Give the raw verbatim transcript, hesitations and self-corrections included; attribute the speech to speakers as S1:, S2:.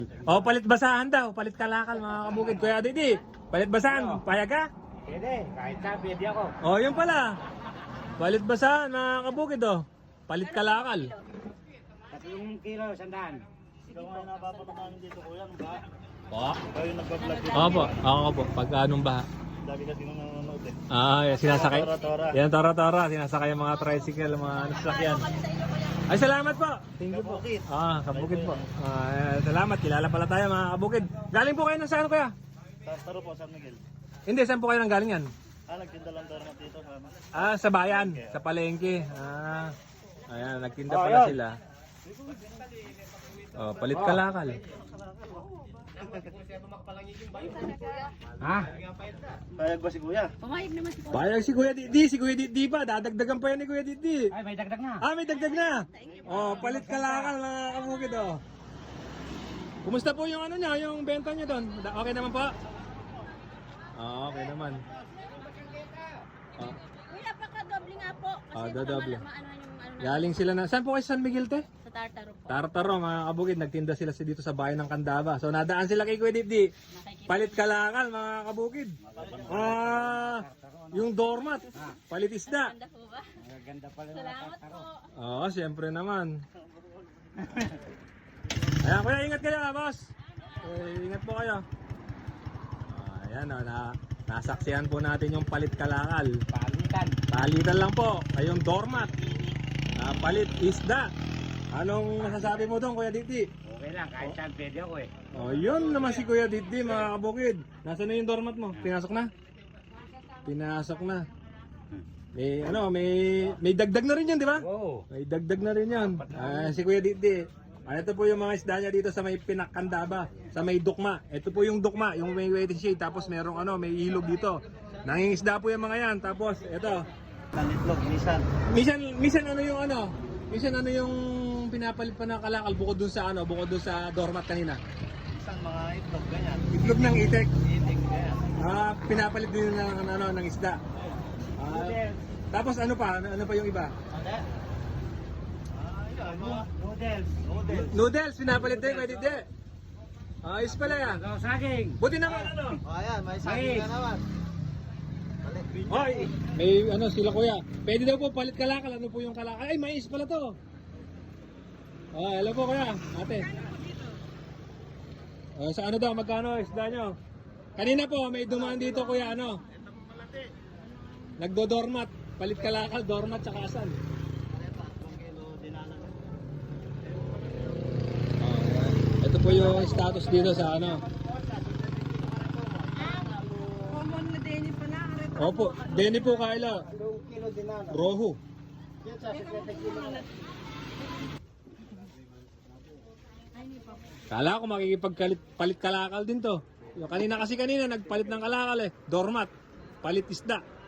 S1: O, palit basahan daw. Palit kalakal, mga kabukid. Kuya Didi, palit basahan. Payag ka?
S2: Pwede, kahit saan pwede ako.
S1: O, yun pala. Palit basahan, mga kabukid, o. Palit kalakal.
S2: Tatlong kilo, sandaan.
S3: Ikaw nga napapatamaan dito kuya, ano ba?
S1: Po?
S3: Ikaw yung nagbablog dito.
S1: Opo, ako po. Pag anong baha.
S3: Lagi kasi nung nanonood eh.
S1: Ah, yan, sinasakay.
S3: Tora-tora.
S1: Yan, tora-tora. Sinasakay yung mga tricycle, mga nasakyan. Ay, salamat po. Thank you po.
S3: Kabukid.
S1: Ah, kabukid po. Ah, salamat. Kilala pala tayo, mga kabukid. Galing po kayo ng saan, kuya?
S3: Taro po, San Miguel.
S1: Hindi, saan po kayo nang galing yan?
S3: Ah, nagtinda lang tayo naman dito. Mama.
S1: Ah, sa bayan, sa palengke. Ah, ayan, nagtinda
S2: Oh,
S1: pala
S2: yun.
S1: sila. Oh, palit kalakal.
S2: Ha?
S3: Payag ba si kuya?
S4: Pumayag naman si Kuya.
S1: Bayag si Kuya Didi, si Kuya Didi pa. Dadagdagan pa yan ni Kuya Didi.
S2: Ay, may dagdag na.
S1: Ah, may dagdag na. Oh, palit kalakal, mga kabukid, oh. Kumusta po yung ano niya, yung benta niyo doon? Da- Okay naman po? Ah, okay naman. Ah,
S4: Kuya, paka-doble nga po. Kasi
S1: Ah,
S4: baka
S1: dodoble.
S4: ma- maano yung ano na
S1: galing sila na. Saan po kayo sa San Miguel, te?
S4: sa Tartaro po.
S1: Tartaro, mga kabukid, nagtinda sila sa- dito sa bayan ng Candaba. So nadaan sila kay Kuya Didi.
S4: Nakikita.
S1: Palit kalakal, mga kabukid. Ah, yung doormat, palit isda.
S4: Ganda po ba?
S2: Ganda pala ng
S4: Salamat po.
S1: Oo, siyempre naman. Ayan, kuya, ingat kayo, ah, boss. Eh, ingat po kayo. Ah, ayan, oh, na, nasaksihan po natin yung palit kalakal.
S2: Palitan.
S1: Palitan lang po, ay yung doormat. Ah, palit isda. Anong masasabi mo doon, Kuya Didi?
S2: Okay lang, kahit saan pwede ako eh.
S1: Oh, yun naman si Kuya Didi, mga kabukid. Nasaan na yung doormat mo? Pinasok na? Pinasok na. May ano, may may dagdag na rin 'yan, di ba?
S2: Oo.
S1: May dagdag na rin 'yan. Ah, si Kuya Didi. Ah, ito po yung mga isda niya dito sa may Pinakandaba, sa may Dukma. Ito po yung Dukma, yung may waiting shade, tapos merong ano, may ilog dito. Nangingisda po yung mga 'yan. Tapos ito.
S3: Nanitlog, minsan.
S1: Minsan minsan ano yung ano? Minsan ano yung pinapalit pa ng kalakal bukod dun sa ano, bukod dun sa doormat kanina.
S3: Minsan mga itlog, ganyan.
S1: Itlog ng itek.
S3: Itik, ganyan.
S1: Ah, pinapalit din ng ano ng isda. Ah, tapos ano pa? Ano, ano pa yung iba?
S3: Ano? Ah, yan. Mga
S2: Noodles.
S3: noodles.
S1: Noodles, pinapalit din, pwede din. Ayos pala yan.
S2: Ikaw saging.
S1: Buti naman ano.
S3: Oh, ayan, may
S2: saging na
S3: naman.
S1: Hoy, may ano sila kuya. Pwede daw po palit kalakal. Ano po yung kalakal? Ay, mais pala to. Ah, hello po kuya, ate. Ah, sa ano daw, magkano isda nyo? Kanina po, may dumaan dito kuya, ano? Nagdo-dormat. Palit kalakal, dormat, tsaka asal. Ah, ito po yung status dito sa ano.
S4: Common na din yung pala.
S1: Opo, Denny po Kaila.
S3: Kilo din na.
S1: Rohu.
S3: Yan sa sikreto kilo.
S1: Kala ko makikipagpalit kalakal din to. Yung kanina kasi kanina nagpalit ng kalakal eh. Dormat. Palit isda.